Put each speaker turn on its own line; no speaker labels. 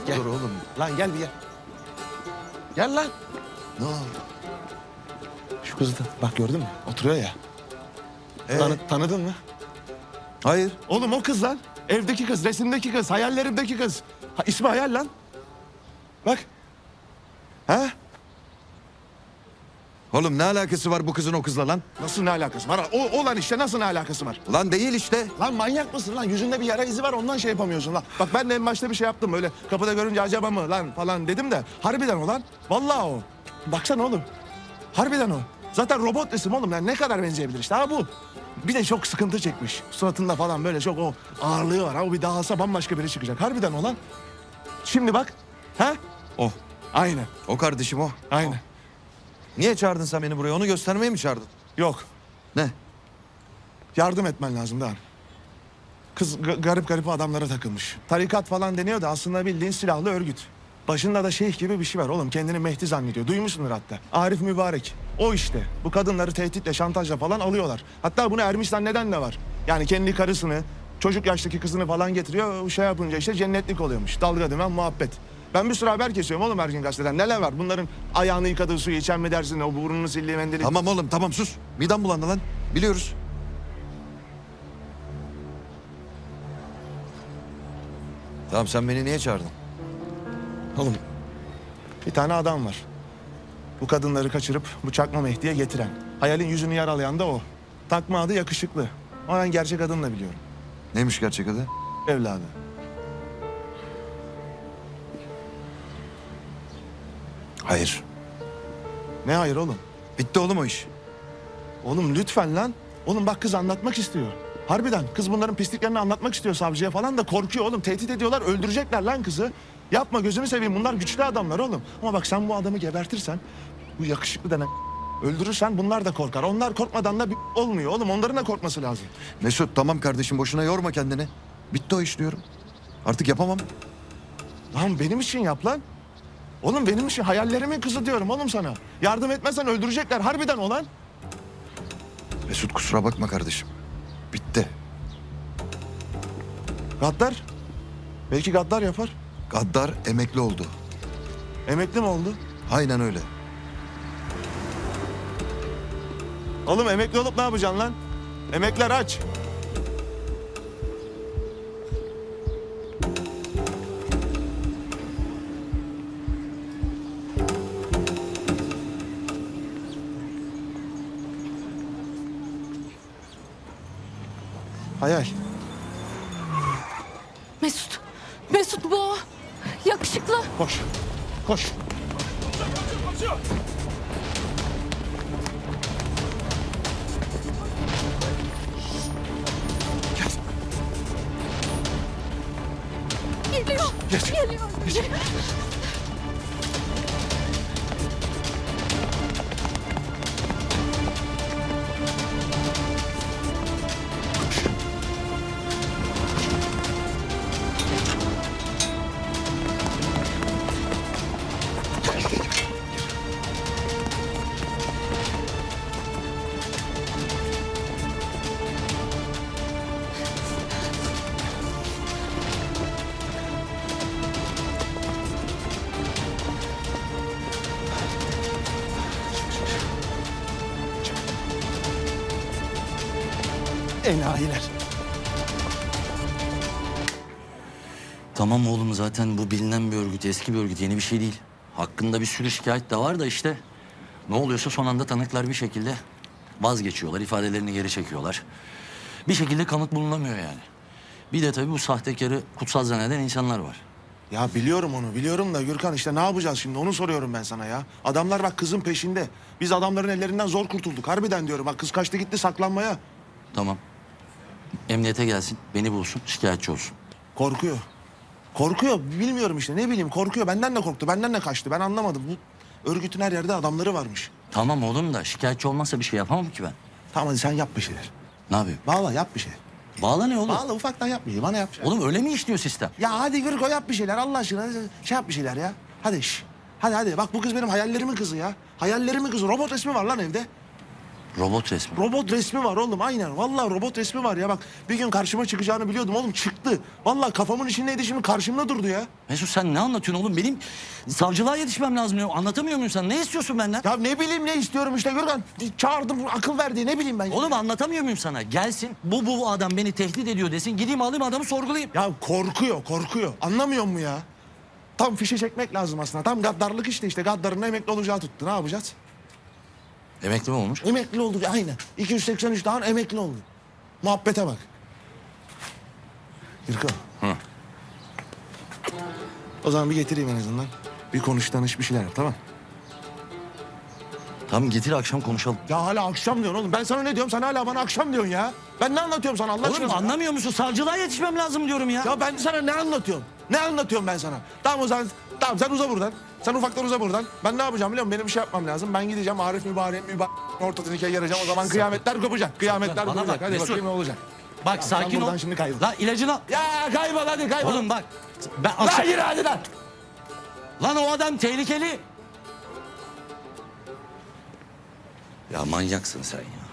Gel.
Dur oğlum.
Lan gel bir gel. Gel lan.
Ne oldu?
Şu kızı da bak gördün mü? Oturuyor ya. Tanıdın mı?
Hayır.
Oğlum o kız lan. Evdeki kız, resimdeki kız, hayallerimdeki kız. Ha, ismi Hayal lan. Bak. Ha?
Oğlum ne alakası var bu kızın o kızla lan?
Nasıl ne alakası var? O lan işte nasıl ne alakası var?
Lan değil işte.
Lan manyak mısın lan? Yüzünde bir yara izi var ondan şey yapamıyorsun lan. Bak ben de en başta bir şey yaptım öyle kapıda görünce acaba mı lan falan dedim de harbiden o lan. Vallahi o. Baksana oğlum. Harbiden o. Zaten robot resim oğlum yani ne kadar benzeyebilir işte ha bu. Bir de çok sıkıntı çekmiş. Suratında falan böyle çok o ağırlığı var. Ha o bir dağılsa bambaşka biri çıkacak. Harbiden o lan. Şimdi bak. Ha?
O.
Aynen.
O kardeşim o.
Aynen.
Niye çağırdın sen beni buraya? Onu göstermeye mi çağırdın?
Yok.
Ne?
Yardım etmen lazım da. Kız garip garip adamlara takılmış. Tarikat falan deniyor da aslında bildiğin silahlı örgüt. Başında da şeyh gibi bir şey var oğlum. Kendini Mehdi zannediyor. Duymuşsundur hatta. Arif Mübarek. O işte. Bu kadınları tehditle, şantajla falan alıyorlar. Hatta bunu ermiş zanneden de var. Yani kendi karısını, çocuk yaştaki kızını falan getiriyor. O şey yapınca işte cennetlik oluyormuş. Dalga dümen muhabbet. Ben bir sürü haber kesiyorum oğlum her gün gazeteden. Neler var? Bunların ayağını yıkadığı suyu içen mi dersin? O burnunu sildiği mendili.
Tamam oğlum tamam sus. Midem bulandı lan. Biliyoruz. Tamam sen beni niye çağırdın?
Oğlum bir tane adam var. Bu kadınları kaçırıp bu çakma Mehdi'ye getiren. Hayal'in yüzünü yaralayan da o. Takma adı yakışıklı. Ama ben gerçek adını da biliyorum.
Neymiş gerçek adı?
Evladı.
Hayır.
Ne hayır oğlum?
Bitti oğlum o iş.
Oğlum lütfen lan. Oğlum bak kız anlatmak istiyor. Harbiden kız bunların pisliklerini anlatmak istiyor savcıya falan da korkuyor oğlum. Tehdit ediyorlar öldürecekler lan kızı. Yapma gözünü seveyim bunlar güçlü adamlar oğlum. Ama bak sen bu adamı gebertirsen bu yakışıklı denen öldürürsen bunlar da korkar. Onlar korkmadan da bir olmuyor oğlum onların da korkması lazım.
Mesut tamam kardeşim boşuna yorma kendini. Bitti o iş diyorum. Artık yapamam.
Lan benim için yap lan. Oğlum benim için hayallerimin kızı diyorum oğlum sana. Yardım etmezsen öldürecekler harbiden olan.
Mesut kusura bakma kardeşim. Bitti.
Gaddar. Belki Gaddar yapar.
Gaddar emekli oldu.
Emekli mi oldu?
Aynen öyle.
Oğlum emekli olup ne yapacaksın lan? Emekler aç. Hayal.
Mesut. Mesut bu o. Yakışıklı.
Koş. Koş.
Geliyor.
Geç.
Geliyor.
Geç. Enayiler.
Tamam oğlum zaten bu bilinen bir örgüt, eski bir örgüt, yeni bir şey değil. Hakkında bir sürü şikayet de var da işte ne oluyorsa son anda tanıklar bir şekilde vazgeçiyorlar, ifadelerini geri çekiyorlar. Bir şekilde kanıt bulunamıyor yani. Bir de tabii bu sahtekarı kutsal zanneden insanlar var.
Ya biliyorum onu biliyorum da Gürkan işte ne yapacağız şimdi onu soruyorum ben sana ya. Adamlar bak kızın peşinde. Biz adamların ellerinden zor kurtulduk harbiden diyorum. Bak kız kaçtı gitti saklanmaya.
Tamam. Emniyete gelsin, beni bulsun, şikayetçi olsun.
Korkuyor. Korkuyor bilmiyorum işte ne bileyim korkuyor. Benden de korktu benden de kaçtı ben anlamadım. Bu örgütün her yerde adamları varmış.
Tamam oğlum da şikayetçi olmazsa bir şey yapamam ki ben.
Tamam hadi sen yap bir şeyler.
Ne yapayım?
Vallahi yap bir şey.
Bağla ne oğlum?
Vallahi ufaktan yap bir şey bana yap.
Oğlum öyle mi işliyor sistem?
Ya hadi Gürko yap bir şeyler Allah aşkına. Şey yap bir şeyler ya. Hadi şş. Hadi hadi bak bu kız benim hayallerimin kızı ya. Hayallerimin kızı. Robot resmi var lan evde.
Robot resmi.
Robot resmi var oğlum aynen. Vallahi robot resmi var ya bak. Bir gün karşıma çıkacağını biliyordum oğlum çıktı. Vallahi kafamın içindeydi şimdi karşımda durdu ya.
Mesut sen ne anlatıyorsun oğlum? Benim savcılığa yetişmem lazım. Ya. Anlatamıyor muyum sen? Ne istiyorsun benden?
Ya ne bileyim ne istiyorum işte Gürkan. Çağırdım akıl verdi ne bileyim ben. Ya.
Oğlum anlatamıyor muyum sana? Gelsin bu adam beni tehdit ediyor desin. Gideyim alayım adamı sorgulayayım.
Ya korkuyor. Anlamıyor mu ya? Tam fişe çekmek lazım aslında. Tam gaddarlık işte gaddarın emekli olacağı tuttu. Ne yapacağız?
Emekli mi olmuş?
Emekli oldu aynen. 283 daha emekli oldu. Muhabbete bak. Gürkan.
Hı.
O zaman bir getireyim en azından. Bir konuş tanış bir şeyler yap tamam.
Tamam getir akşam konuşalım.
Ya hala akşam diyorsun oğlum. Ben sana ne diyorum? Sen hala bana akşam diyorsun ya. Ben ne anlatıyorum sana Allah
Oğlum
aşkına?
anlamıyor musun? Savcılığa yetişmem lazım diyorum ya.
Ya ben sana ne anlatıyorum? Ne anlatıyorum ben sana? Tamam o zaman tamam sen uza buradan. Sen ufaktan uza buradan. Ben ne yapacağım biliyor musun? Benim bir şey yapmam lazım. Ben gideceğim Arif mübarek ortasını ikiye yarayacağım. O zaman kıyametler kopacak. Kıyametler
Bana
kopacak.
bak,
Hadi
Mesut.
bakayım ne olacak.
Bak
Sen
sakin ol.
buradan şimdi kaybol.
La ilacını al.
Ya kaybol hadi kaybol.
Oğlum bak. Ben
Lan
akşam...
yürü hadi lan.
Lan o adam tehlikeli. Ya manyaksın sen ya.